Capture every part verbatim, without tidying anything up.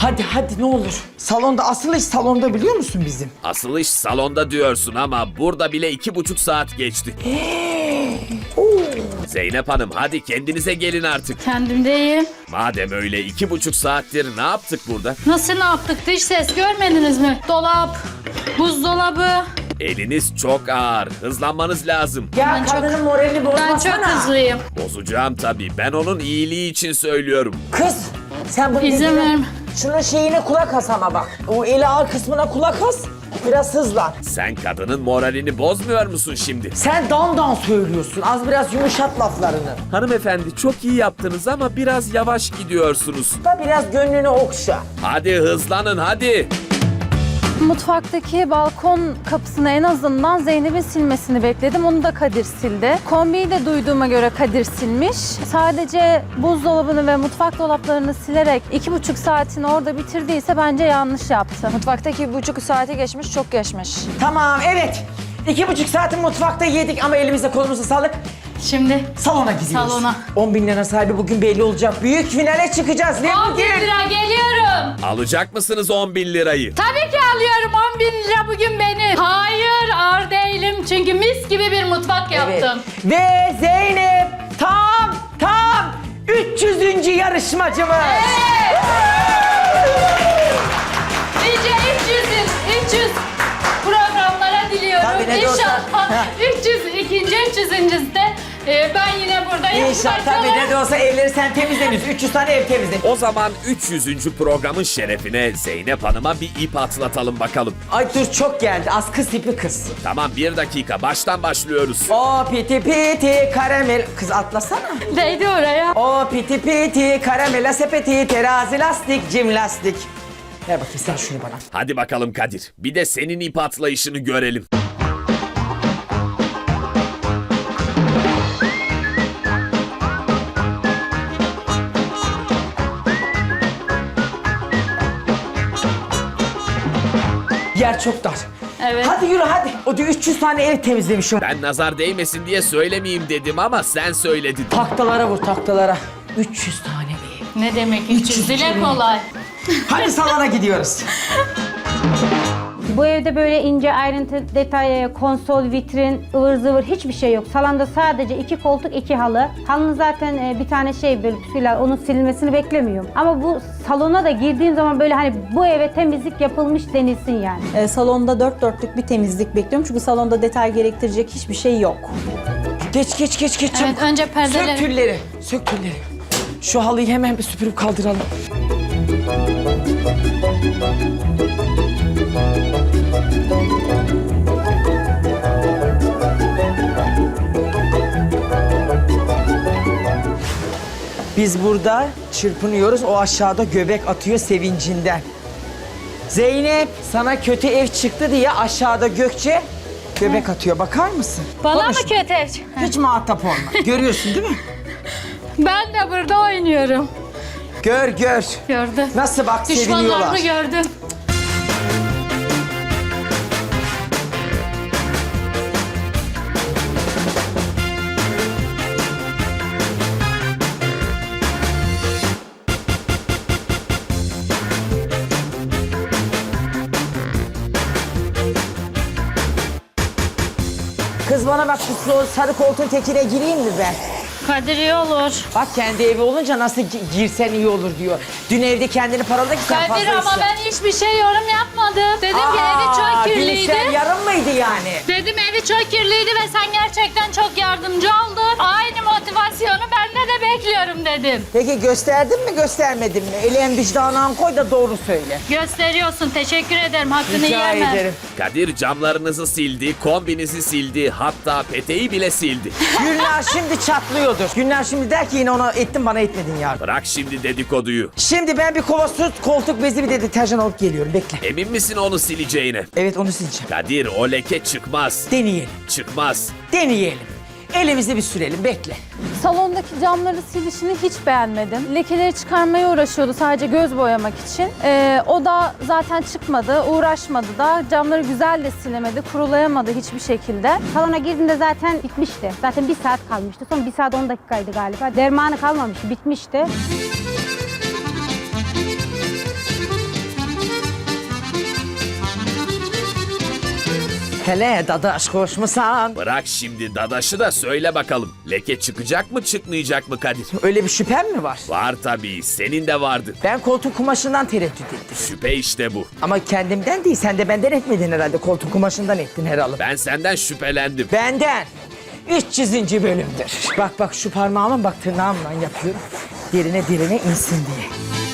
Hadi hadi ne olur. Salonda, asıl iş salonda biliyor musun bizim? Asıl iş salonda diyorsun ama burada bile iki buçuk saat geçti. Zeynep Hanım hadi kendinize gelin artık. Kendimdeyim. Madem öyle iki buçuk saattir ne yaptık burada? Nasıl ne yaptık? Dış ses görmediniz mi? Dolap, buzdolabı. Eliniz çok ağır. Hızlanmanız lazım. Ya Ben çok- kadının moralini bozmasana. Ben çok hızlıyım. Bozacağım tabii. Ben onun iyiliği için söylüyorum. Kız sen bunu İzin dediğine- verme. Şunun şeyine kulak as ama bak. O eli ağır kısmına kulak as. Biraz hızlan. Sen kadının moralini bozmuyor musun şimdi? Sen dan dan söylüyorsun. Az biraz yumuşat laflarını. Hanımefendi çok iyi yaptınız ama biraz yavaş gidiyorsunuz. Da biraz gönlünü okşa. Hadi hızlanın hadi. Mutfaktaki balkon kapısını en azından Zeynep'in silmesini bekledim. Onu da Kadir sildi. Kombiyi de duyduğuma göre Kadir silmiş. Sadece buzdolabını ve mutfak dolaplarını silerek iki buçuk saatini orada bitirdiyse bence yanlış yaptı. Mutfaktaki buçuk saati geçmiş, çok geçmiş. Tamam evet. İki buçuk saati mutfakta yedik ama elimize kolumuza sağlık. Şimdi Salona gidiyoruz. Salona. on bin lira sahibi bugün belli olacak. Büyük finale çıkacağız. Ne on bin bugün? lira geliyorum. Alacak mısınız on bin lirayı? Tabii ki alıyorum on bin lira bugün benim. Hayır ağır değilim çünkü mis gibi bir mutfak Evet. yaptım. Ve Zeynep tam tam üç yüzüncü yarışmacımız. Nice üç yüz, üç yüz programlara diliyorum. Tabii, ne de olsa. İnşallah Ha. üç yüz, ikinci üç yüzüncüsü de e, ben yine burada İnşallah tabii ne de olsa evleri sen temizlemişsin. üç yüz tane ev temizle. O zaman üç yüzüncü programın şerefine Zeynep Hanım'a bir ip atlatalım bakalım. Ay dur çok geldi. Az kız tipi kız. Tamam bir dakika baştan başlıyoruz. O piti piti karamel. Kız atlasana. Değdi oraya. O piti piti karamela sepeti terazi lastik cim lastik. Ver bakayım sen şunu bana. Hadi bakalım Kadir. Bir de senin ip atlayışını görelim. Yer çok dar. Evet. Hadi yürü hadi. O diyor üç yüz tane ev temizlemişim. Ben nazar değmesin diye söylemeyeyim dedim ama sen söyledin. Taktalara vur taktalara. üç yüz tane ev. Ne demek üç yüz dile kolay. Hadi salona gidiyoruz. Bu evde böyle ince ayrıntı, detay, konsol, vitrin, ıvır zıvır hiçbir şey yok. Salonda sadece iki koltuk, iki halı. Halının zaten e, bir tane şey böyle püsküller, onun silinmesini beklemiyorum. Ama bu salona da girdiğim zaman böyle hani bu eve temizlik yapılmış denilsin yani. Ee, salonda dört dörtlük bir temizlik bekliyorum çünkü salonda detay gerektirecek hiçbir şey yok. Geç geç geç geç. Evet çabuk. önce Sök perdeleri. tülleri. Sök tülleri. Şu halıyı hemen bir süpürüp kaldıralım. Biz burada çırpınıyoruz. O aşağıda göbek atıyor sevincinden. Zeynep sana kötü ev çıktı diye aşağıda Gökçe göbek atıyor. Bakar mısın? Bana Konuş. mı kötü? Hiç muhatap olma. Görüyorsun değil mi? Ben de burada oynuyorum. Gör gör. Gördüm. Nasıl bak seviniyorlar. Düşmanlarımı gördüm. Kız bana bak şu sarı koltuğun tekine gireyim mi ben? Kadir iyi olur. Bak kendi evi olunca nasıl gi- girsen iyi olur diyor. Dün evde kendini paraladı ki sen Kadir fazla ama iste. ben hiçbir şey yorum yapmadım. Dedim ki evi Aa, çok dün kirliydi. işler yarım mıydı yani? Dedim evi çok kirliydi ve sen gerçekten çok yardımcı oldun. Aynı motivasyonu bende de bekliyorum dedim. Peki gösterdin mi göstermedin mi? Elin vicdanına koy da doğru söyle. Gösteriyorsun. Teşekkür ederim. Hakkını Rica yemem. ederim. Kadir camlarınızı sildi, kombinizi sildi, hatta peteği bile sildi. Günler şimdi çatlıyordur. Günler şimdi der ki yine ona ettin bana etmedin yardım. Bırak şimdi dedikoduyu. Şimdi ben bir kova süt, koltuk bezi bir de deterjan alıp geliyorum. Bekle. Emin misin onu sileceğine? Evet onu sileceğim. Kadir o leke çıkmaz. Deneyelim. Çıkmaz. Deneyelim. Elimizi bir sürelim. Bekle. Salondaki camları silişini hiç beğenmedim. Lekeleri çıkarmaya uğraşıyordu sadece göz boyamak için. Ee, o da zaten çıkmadı, uğraşmadı da. Camları güzel de silemedi, kurulayamadı hiçbir şekilde. Salona girdiğinde zaten bitmişti. Zaten bir saat kalmıştı. Son bir saat on dakikaydı galiba. Dermanı kalmamıştı, bitmişti. Hele dadaş koşmusan. Bırak şimdi dadaşı da söyle bakalım. Leke çıkacak mı çıkmayacak mı Kadir? Öyle bir şüphem mi var? Var tabii, senin de vardı. Ben koltuk kumaşından tereddüt ettim. Şüphe işte bu. Ama kendimden değil, sen de benden etmedin herhalde. Koltuk kumaşından ettin herhalde. Ben senden şüphelendim. Benden. üç yüzüncü bölümdür. Bak bak şu parmağımın bak tırnağımla yapıyorum. Derine derine insin diye.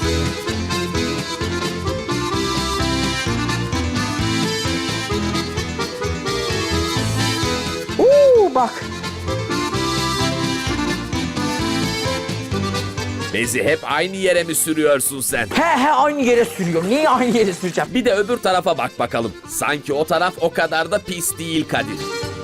Oo bak. Bezi hep aynı yere mi sürüyorsun sen? He he aynı yere sürüyorum. Niye aynı yere süreceğim? Bir de öbür tarafa bak bakalım. Sanki o taraf o kadar da pis değil Kadir.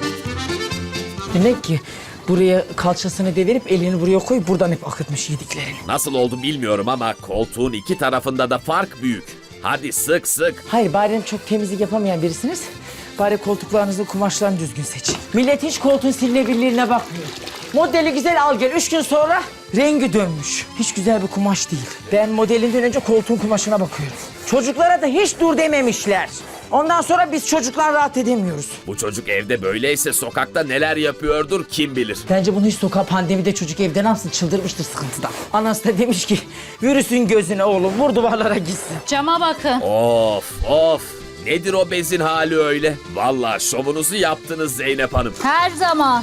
Demek ki buraya kalçasını devirip elini buraya koy, buradan hep akıtmış yediklerini. Nasıl oldu bilmiyorum ama koltuğun iki tarafında da fark büyük. Hadi sık sık. Hayır bari çok temizlik yapamayan birisiniz. Bari koltuklarınızı, kumaşlarını düzgün seçin. Millet hiç koltuğun silinebilirliğine bakmıyor. Modeli güzel al gel. Üç gün sonra rengi dönmüş. Hiç güzel bir kumaş değil. Ben modelinden önce koltuğun kumaşına bakıyorum. Çocuklara da hiç dur dememişler. Ondan sonra biz çocuklar rahat edemiyoruz. Bu çocuk evde böyleyse sokakta neler yapıyordur kim bilir. Bence bunu hiç sokağa pandemide çocuk evde ne yapsın, çıldırmıştır sıkıntıdan. Anası da demiş ki virüsün gözüne oğlum, vur duvarlara gitsin. Cama bakın. Of of. Nedir o bezin hali öyle? Vallahi şovunuzu yaptınız Zeynep Hanım. Her zaman.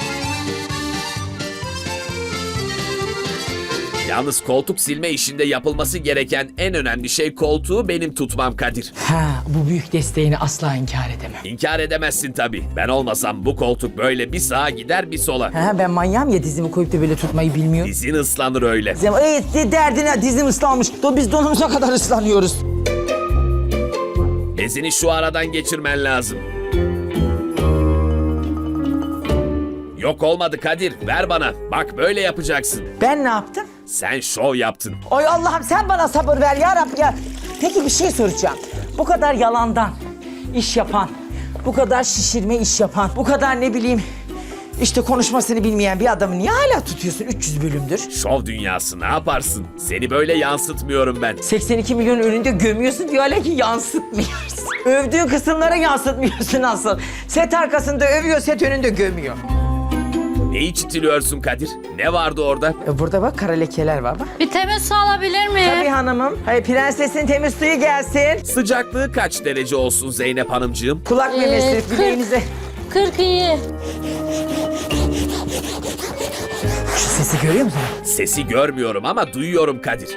Yalnız koltuk silme işinde yapılması gereken en önemli şey koltuğu benim tutmam Kadir. Ha, bu büyük desteğini asla inkar edemem. İnkar edemezsin tabii. Ben olmasam bu koltuk böyle bir sağa gider bir sola. Ha, ben manyağım ya, dizimi koyup da böyle tutmayı bilmiyorum. Dizin ıslanır öyle. Evet, derdine dizim ıslanmış. Do biz donumuza kadar ıslanıyoruz. Bezini şu aradan geçirmen lazım. Yok olmadı Kadir, ver bana. Bak böyle yapacaksın. Ben ne yaptım? Sen şov yaptın. Oy Allah'ım sen bana sabır ver ya Rabbi ya. Peki bir şey soracağım. Bu kadar yalandan iş yapan, bu kadar şişirme iş yapan, bu kadar ne bileyim işte konuşmasını bilmeyen bir adamı niye hala tutuyorsun? üç yüz bölümdür. Şov dünyası ne yaparsın? Seni böyle yansıtmıyorum ben. seksen iki milyon önünde gömüyorsun diyor hala ki yansıtmıyorsun. Övdüğün kısımlara yansıtmıyorsun asıl. Set arkasında övüyor, set önünde gömüyor. Neyi çitiliyorsun Kadir? Ne vardı orada? E burada bak kara lekeler var bak. Bir temiz su alabilir miyim? Tabii hanımım. Hayır prensesin temiz suyu gelsin. Sıcaklığı kaç derece olsun Zeynep Hanımcığım? Kulak Ee, memesi kırk. bileğinize. kırk iyi. Şu sesi görüyor musun? Sesi görmüyorum ama duyuyorum Kadir.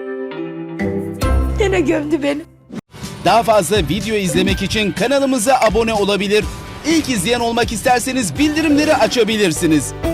Gene gömdü beni. Daha fazla video izlemek için kanalımıza abone olabilir. İlk izleyen olmak isterseniz bildirimleri açabilirsiniz.